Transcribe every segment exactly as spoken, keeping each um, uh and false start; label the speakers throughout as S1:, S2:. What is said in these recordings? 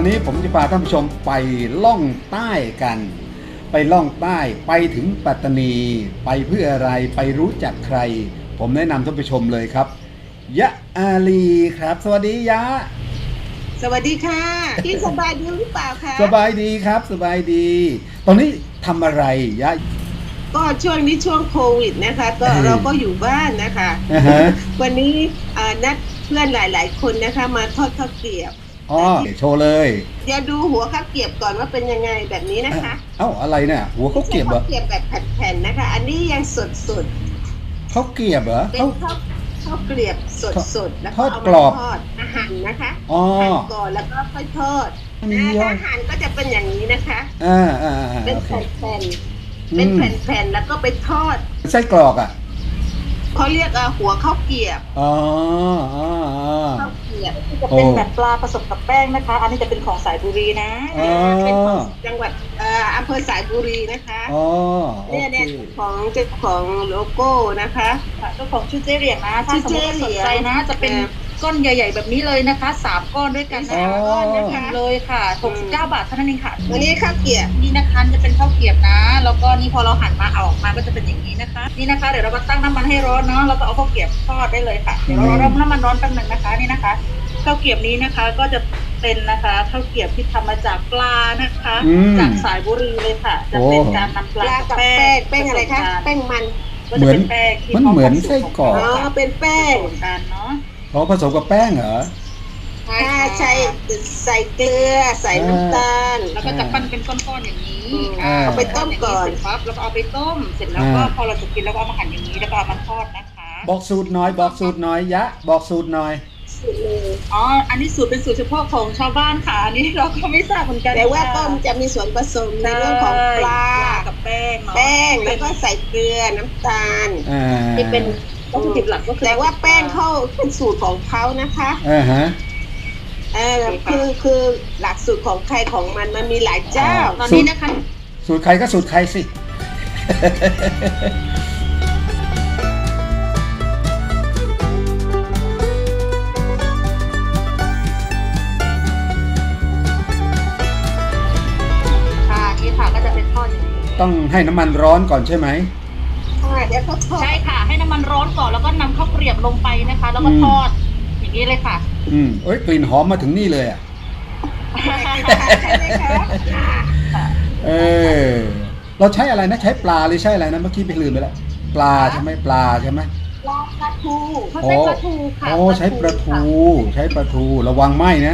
S1: วันนี้ผมจะพาท่านผู้ชมไปล่องใต้กันไปล่องใต้ไปถึงปัตตานีไปเพื่ออะไรไปรู้จักใครผมแนะนำท่านผู้ชมเลยครับยะอาลีครับสวัสดียะ
S2: สวัสดีค่ะพี่สบายดีหรือเปล่าคะ
S1: สบายดีครับสบายดีตอนนี้ทำอะไรยะ
S2: ก็ช่วงนี้ช่วงโควิดนะคะก็เราก็อยู่บ้านนะคะ
S1: uh-huh.
S2: วันนี้นัดเพื่อนหลายๆคนนะคะมาทอดข้าวเกรียบ
S1: อ๋อโชว์เลย
S2: เดี๋ยวดูหัวข้าวเกรียบก่อนว่าเป็นยังไงแบบนี้นะคะ
S1: เอ้าอะไรเนี่ยหัวข้าวเกรียบเหรอ
S2: ข้าวเกรียบแบบแผ่นๆนะคะอันนี้ยังสด
S1: ๆข้าวเกรียบเหรอ
S2: เป็นข้าวข้าวเกรียบสดๆแล้วก็เอามาทอดอาหารนะคะหั่นก่อนแล้วก็ค่อยทอดถ้าหั่นก็จะเป็นอย่างนี้นะคะ
S1: อ่าอ่า
S2: เป็นแผ่นๆเป็นแผ่นๆแล้วก็ไปทอด
S1: ไส้กรอกอ่ะ
S2: เขาเรียกหัวข้าวเกรียบ
S1: อ๋อ
S2: ข้าวเกรียบ
S3: จะเป็นแบบปลาผสมกับแป้งนะคะอันนี้จะเป็นของสายบุรีนะ
S2: เป็นของจังหวัดอำเภอสายบุรีนะคะเนี่ยเนี่ยของเจ้าของโลโก้นะคะ
S3: เจ้าของชื่อเจ๊เหรียญนะถ้าสมมติสนใจนะจะเป็นก้อนใหญ่ๆแบบนี้เลยนะคะสามก้อนด้วยกันนะคะก้อนนะคะเลยค่ะหกสิบเก้าบาทเท่านั้นเองค่ะ
S2: วันนี้ข้าวเกรียบ
S3: นี่นะคะจะเป็นข้าวเกรียบนะแล้วก็นี่พอเราหั่นมาออกมาก็จะเป็นอย่างนี้นะคะนี่นะคะเดี๋ยวเราก็ตั้งน้ำมันให้ร้อนเนาะแล้วก็เอาข้าวเกรียบทอดได้เลยค่ะเดี๋ยวเราเริ่มน้ำมันร้อนแป๊บนึงนะคะนี่นะคะข้าวเกรียบนี้นะคะก็จะเป็นนะคะข้าวเกรียบที่ทำมาจากปลานะคะจากสายบุรีเลยค่ะจะเป็นการนำปลา
S2: กับแป้งแป้งอะไรคะแป้งมัน
S1: เหมือนมันเหมือนไส้กรอก
S2: อ๋อเป็นแป้ง
S3: กันเนาะ
S1: อ๋อผสมกับแป้งเหรอ
S2: ใช่ใส่ใส่เกลือใส่น้ำตาล
S3: แล้วก็จะปั้นเป็นก้อนๆอย่างนี้
S2: เอาไปต้มก่อน
S3: ครับแล้วก็เอาไปต้มเสร็จแล้วก็พอเราจะกินแล้วก็เอามาหั่นอย่างนี้แล้วก็เอามาทอดนะคะ
S1: บอกสูตรน้อยบอกสูตรน้อยยะบอกสูตรน้อย
S3: อ๋ออันนี้สูตรเป็นสูตรเฉพาะของชาวบ้านค่ะอันนี้เราก็ไม่ทราบเหมือนกัน
S2: แต่ว่าต้มจะมีส่วนผสมในเรื่องของปลา
S3: กับแป้ง
S2: แป้งแล้วก็ใส่เกลือน้ำตาล
S3: ที่เป็นวัตถุดิบหลักก็คือ
S2: แต่ว่าแป้งเขาเป็นสูตรของเขานะคะ
S1: อ่าฮะ
S2: เออคือคือหลักสูตรของใครของมันมันมีหลายเจ้า
S3: ตอนนี้นะคะ
S1: สูตรใครก็สูตรใครสิ
S3: ค่ะนี่ค่ะก็จะเป็นทอดอย่างนี้
S1: ต้องให้น้ำมันร้อนก่อนใช่ไหม
S2: ใช่เดี๋ยวเขาทอด
S3: ใช่ค่ะให้น้ำมันร้อนก่อนแล้วก็นำข้าวเกรียบลงไปนะคะแล้วก็ทอดอย่างนี้เลยค่ะ
S1: อืมเอ้ยกลิ่นหอมมาถึงนี่เลยอ่ะเออเราใช้อะไรนะใช้ปลาหรือใช้อะไรนะเมื่อกี้ไปลืมไปแล้วปลาใช่ไหมปลาใช่ไหม
S2: ปลาปลาทู
S3: เขาใช้ปลาทูค่ะ
S1: โอ้ใช้ปลาทูใช้ปลาทูระวังไหมนะ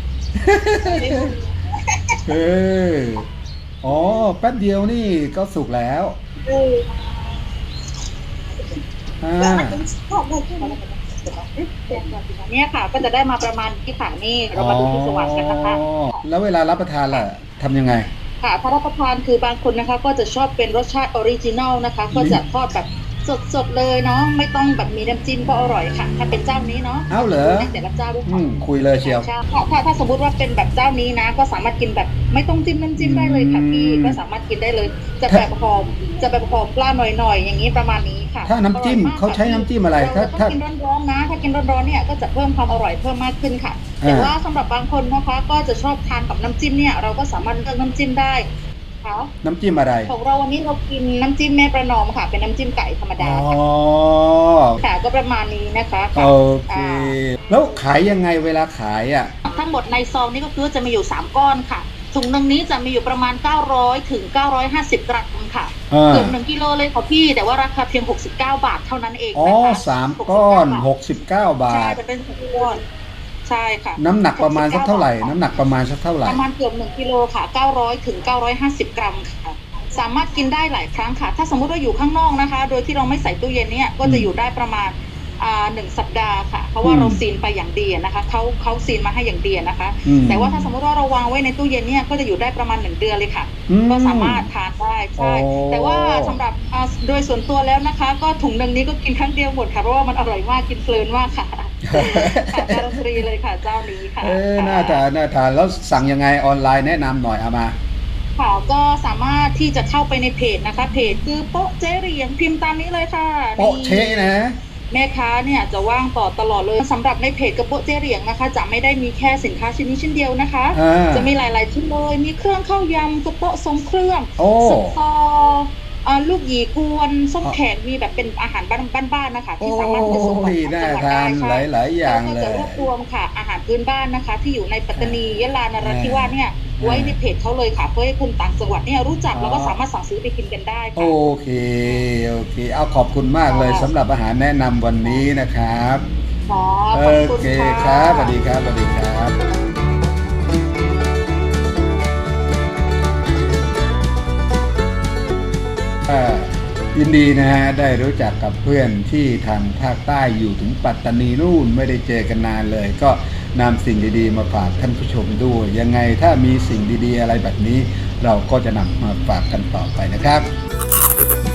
S1: เอออ๋อแป๊บเดียวนี่ก็สุกแล้วอ่า
S3: เนี่ยค่ะก็จะได้มาประมาณที่ค่ะนี่เรามาดูที่สว่างกันนะคะ
S1: แล้วเวลารับประทานล่ะทำยังไง
S3: ค่ะถ้ารับประทานคือบางคนนะคะก็จะชอบเป็นรสชาติออริจินัลนะคะก็จะทอดแบบสดๆเลยเนาะไม่ต้องแบบมีน้ำจิ้มก็อร่อยค่ะถ้าเป็นเจ้านี้เนาะ
S1: เอาเหรอ
S3: แต่ละเจ้าด้วย
S1: คุยเลยเชียว
S3: ถ้าถ้าถ้าสมมติว่าเป็นแบบเจ้านี้นะก็สามารถกินแบบไม่ต้องจิ้มน้ำจิ้มได้เลยค่ะพี่ก็สามารถกินได้เลยจะแบบหอมจะแบบหอมปลาหน่อยๆอย่างนี้ประมาณนี้ค่ะ
S1: ถ้าน้ำจิ้มเขาใช้น้ำจิ้มอะไรถ้า
S3: ถ้ากินร้อนๆนะถ้ากินร้อนๆเนี่ยก็จะเพิ่มความอร่อยเพิ่มมากขึ้นค่ะแต่ว่าสำหรับบางคนนะคะก็จะชอบทานกับน้ำจิ้มเนี่ยเราก็สามารถเลือกน้ำจิ้มได้
S1: น้ำจิ้มอะไร
S3: ของเราวันนี้เรากินน้ำจิ้มแม่ประนอมค่ะเป็นน้ำจิ้มไก่ธรรมดาค่ะก็ประมาณนี้นะคะ
S1: โอเคแล้วขายยังไงเวลาขายอ่ะ
S3: ทั้งหมดในซองนี้ก็คือจะมีอยู่สามก้อนค่ะถุงนึงนี้จะมีอยู่ประมาณเก้าร้อยถึงเก้าร้อยห้าสิบกรัมค่ะเกือบหนึ่งกิโลเลยค่ะพี่แต่ว่าราคาเพียงหกสิบเก้าบาทเท่านั้นเอง
S1: อ๋อสามก้อนหกสิบเก้าบาท
S3: ใช่จะเป็นสามก้อนใช่ค่ะ
S1: น้ำหนักประมาณสักเท่าไหร่น้ำหนักประมาณสักเท่าไหร่
S3: ประมาณเกือบหนึ่งกิโลค่ะเก้าร้อยถึงเก้าร้อยห้าสิบกรัมค่ะสามารถกินได้หลายครั้งค่ะถ้าสมมติว่าอยู่ข้างนอกนะคะโดยที่เราไม่ใส่ตู้เย็นเนี่ยก็จะอยู่ได้ประมาณอ่าหนึ่งสัปดาห์ค่ะเพราะว่าเราซีนไปอย่างดีนะคะเขาเขาซีนมาให้อย่างดีนะคะแต่ว่าถ้าสมมติว่าเราวางไว้ในตู้เย็นเนี่ยก็จะอยู่ได้ประมาณหนึ่งเดือนเลยค่ะก็สามารถทานได้ใช่แต่ว่าสำหรับโดยส่วนตัวแล้วนะคะก็ถุงนึงนี้ก็กินครั้งเดียวหมดค่ะเพราะว่ามันอร่อยมากกินเพลินมากค่ะการันตีเลยค่ะเจ้านี้ค่ะ
S1: เออน่าทานน่าทานแล้วสั่งยังไงออนไลน์แนะนำหน่อยเอามา
S3: ค่ะก็สามารถที่จะเข้าไปในเพจนะคะเพจคือโป๊ะเจ๊เหรียญพิมพ์ตามนี้เลยค่ะ
S1: โป๊ะเชนะ
S3: แม่ค้าเนี่ยจะว่างต่อตลอดเลยสำหรับในเพจกระโปะเจเหรียงนะคะจะไม่ได้มีแค่สินค้าชิ้นนี้ชิ้นเดียวนะคะ จะมีหลายๆชิ้นเลยมีเครื่องข้าวยำกระโปะทรงเครื่องส้มตอลูกหยีกวนส้มแขกมีแบบเป็นอาหารบ้านๆนะคะที่สามารถไปส่งต่างจังหวัดได้ค่ะ
S1: หลายๆอย่างเลย
S3: ก็จะรวบรวมค่ะอาหารพื้นบ้านนะคะที่อยู่ในปัตตานียะลานราธิวาสเนี่ยไว้ในเพจเขาเลยค่ะเพื่อให้คุณต่างจังหวัดเนี่ยรู้จักแล้วก็สามารถสั่งซื้อไปกินกันได้ค่ะ
S1: โอเคโอเคเอาขอบคุณมากเลยสำหรับอาหารแนะนำวันนี้นะครับ
S3: โอ
S1: เคครับสวัสดีครับสวัสดีครับยินดีนะฮะได้รู้จักกับเพื่อนที่ทางภาคใต้อยู่ถึงปัตตานีนู่นไม่ได้เจอกันนานเลยก็นำสิ่งดีๆมาฝากท่านผู้ชมด้วยยังไงถ้ามีสิ่งดีๆอะไรแบบนี้เราก็จะนำมาฝากกันต่อไปนะครับ